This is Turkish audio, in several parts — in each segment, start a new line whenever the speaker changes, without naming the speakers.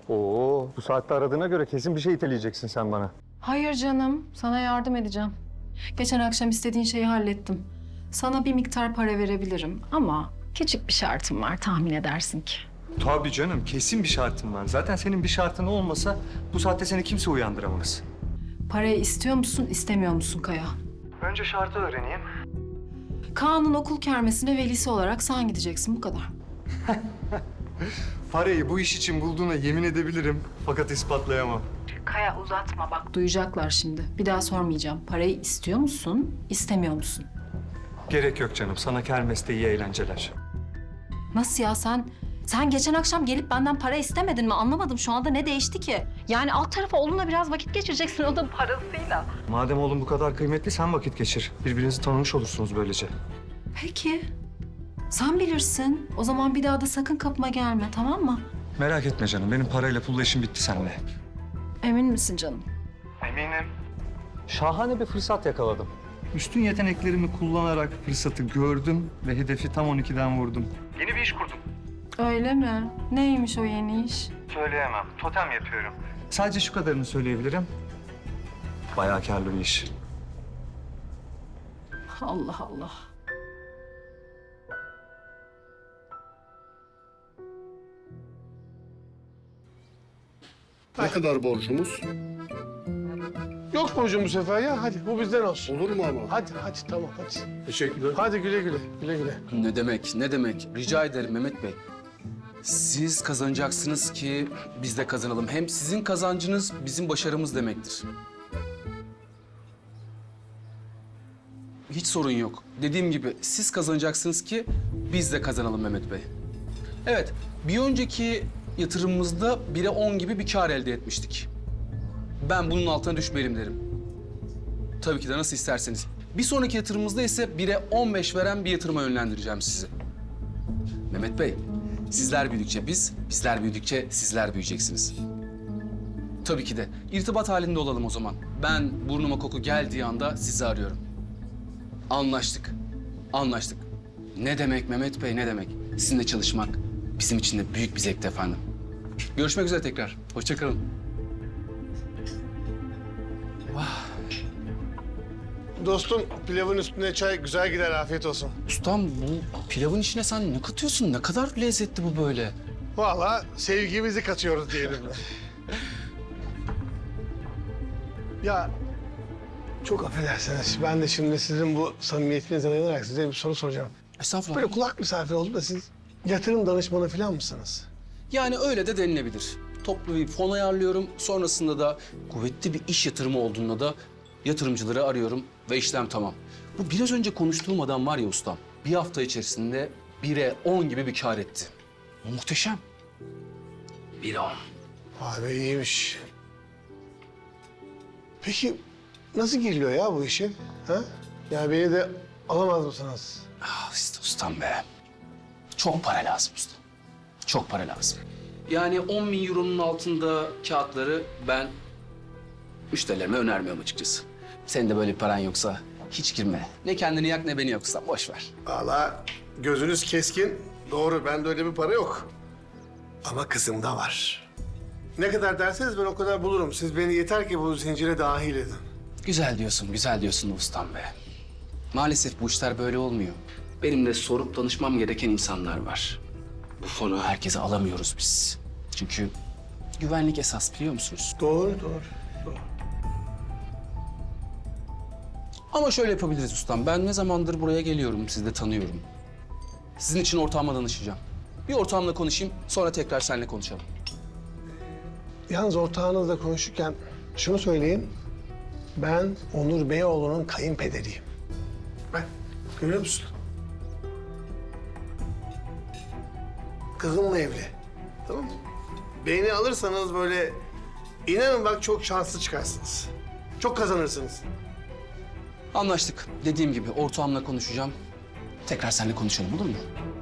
Oo, bu saatte aradığına göre kesin bir şey iteleyeceksin sen bana.
Hayır canım, sana yardım edeceğim. Geçen akşam istediğin şeyi hallettim. Sana bir miktar para verebilirim ama küçük bir şartım var, tahmin edersin ki.
Tabii canım, kesin bir şartın var. Zaten senin bir şartın olmasa bu saatte seni kimse uyandıramaz.
Parayı istiyor musun, istemiyor musun Kaya?
Önce şartı öğreneyim.
Kaan'ın okul kermesine velisi olarak sen gideceksin, bu kadar.
Parayı bu iş için bulduğuna yemin edebilirim fakat ispatlayamam.
Kaya uzatma bak, duyacaklar şimdi. Bir daha sormayacağım. Parayı istiyor musun, istemiyor musun?
Gerek yok canım, sana kermeste iyi eğlenceler.
Nasıl ya sen geçen akşam gelip benden para istemedin mi? Anlamadım şu anda ne değişti ki? Yani alt tarafa oğlunla biraz vakit geçireceksin o da parasıyla.
Madem oğlum bu kadar kıymetli sen vakit geçir. Birbirinizi tanımış olursunuz böylece.
Peki. Sen bilirsin. O zaman bir daha da sakın kapıma gelme, tamam mı?
Merak etme canım, benim parayla pulla işim bitti seninle.
Emin misin canım?
Eminim. Şahane bir fırsat yakaladım. Üstün yeteneklerimi kullanarak fırsatı gördüm ve hedefi tam 12'den vurdum. Yeni bir iş kurdum.
Öyle mi? Neymiş o yeni iş?
Söyleyemem, totem yapıyorum. Sadece şu kadarını söyleyebilirim. Bayağı kârlı bir iş.
Allah Allah.
Ne kadar borcumuz?
Yok borcum bu sefer ya. Hadi bu bizden olsun.
Olur mu ama?
Hadi tamam hadi.
Teşekkürler.
Hadi güle güle. Güle güle.
Ne demek, ne demek? Rica ederim Mehmet Bey. Siz kazanacaksınız ki biz de kazanalım. Hem sizin kazancınız bizim başarımız demektir. Hiç sorun yok. Dediğim gibi siz kazanacaksınız ki biz de kazanalım Mehmet Bey. Evet, bir önceki yatırımımızda 1'e 10 gibi bir kar elde etmiştik. Ben bunun altına düşmeyelim derim. Tabii ki de nasıl isterseniz. Bir sonraki yatırımımızda ise 1'e 15 veren bir yatırıma yönlendireceğim sizi. Mehmet Bey, sizler büyüdükçe biz, bizler büyüdükçe sizler büyüyeceksiniz. Tabii ki de. İrtibat halinde olalım o zaman. Ben burnuma koku geldiği anda sizi arıyorum. Anlaştık. Anlaştık. Ne demek Mehmet Bey, ne demek? Sizinle çalışmak bizim için de büyük bir zevkti efendim. Görüşmek üzere tekrar. Hoşça kalın.
Dostum pilavın üstüne çay güzel gider. Afiyet olsun.
Ustam bu pilavın içine sen ne katıyorsun? Ne kadar lezzetli bu böyle.
Vallahi sevgimizi katıyoruz diyelim. Ya çok affedersiniz. Ben de şimdi sizin bu samimiyetinize dayanarak size bir soru soracağım.
Estağfurullah.
Böyle kulak misafiri oldum da siz yatırım danışmanı falan mısınız?
Yani öyle de denilebilir. Toplu bir fon ayarlıyorum. Sonrasında da kuvvetli bir iş yatırımı olduğunda da yatırımcıları arıyorum ve işlem tamam. Bu biraz önce konuştuğum adam var ya ustam. Bir hafta içerisinde 1'e 10 gibi bir kar etti. Muhteşem. 1'e 10.
Vay be iyiymiş. Peki nasıl giriliyor ya bu işe? Ha? Yani beni de alamaz mısınız?
Ah işte ustam be. Çok para lazım usta. Çok para lazım. Yani 10 bin euronun altında kağıtları ben müşterilerime önermiyorum açıkçası. Senin de böyle bir paran yoksa hiç girme. Ne kendini yak ne beni yoksa boş ver.
Vallahi gözünüz keskin. Doğru, bende öyle bir para yok. Ama kızımda var. Ne kadar derseniz ben o kadar bulurum. Siz beni yeter ki bu zincire dahil edin.
Güzel diyorsun ustam be. Maalesef bu işler böyle olmuyor. Benim de sorup danışmam gereken insanlar var. Bu fonu herkese alamıyoruz biz. Çünkü güvenlik esas biliyor musunuz?
Doğru.
Ama şöyle yapabiliriz ustam. Ben ne zamandır buraya geliyorum, sizi de tanıyorum. Sizin için ortağıma danışacağım. Bir ortağımla konuşayım, sonra tekrar seninle konuşalım.
Yalnız ortağınızla konuşurken şunu söyleyeyim. Ben Onur Beyoğlu'nun kayınpederiyim. Bak, görüyor musun? Kızımla evli. Tamam mı? Beni alırsanız böyle inanın bak çok şanslı çıkarsınız. Çok kazanırsınız.
Anlaştık. Dediğim gibi ortağımla konuşacağım. Tekrar seninle konuşalım, olur mu?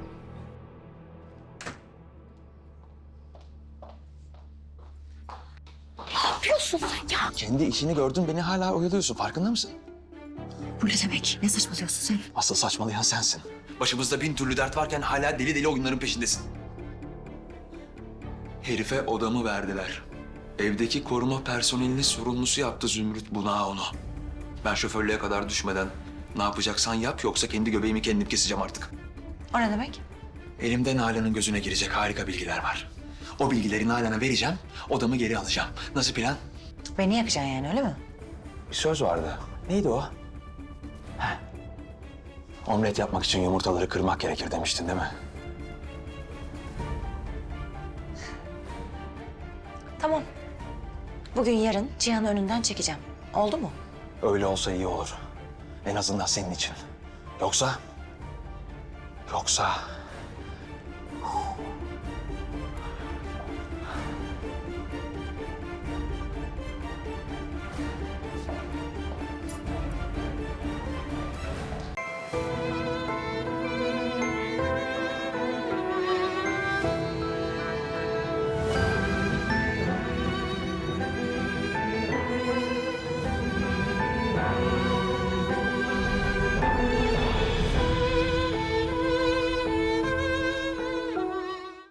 yapıyorsun sen ya?
Kendi işini gördün, beni hala oyalıyorsun. Farkında mısın?
Bu ne demek? Ne saçmalıyorsun sen?
Asıl saçmalayan sensin. Başımızda bin türlü dert varken hala deli deli oyunların peşindesin. Herife odamı verdiler. Evdeki koruma personelini sorumlusu yaptı Zümrüt Bunağı onu. Ben şoförlüğe kadar düşmeden ne yapacaksan yap yoksa kendi göbeğimi kendim keseceğim artık.
O ne demek?
Elimde Nalan'ın gözüne girecek harika bilgiler var. O bilgileri Nalan'a vereceğim, odamı geri alacağım. Nasıl plan?
Beni yakacaksın yani öyle mi?
Bir söz vardı. Neydi o? Heh. Omlet yapmak için yumurtaları kırmak gerekir demiştin değil mi?
Tamam. Bugün yarın Cihan'ı önünden çekeceğim. Oldu mu?
Öyle olsa iyi olur. En azından senin için. Yoksa...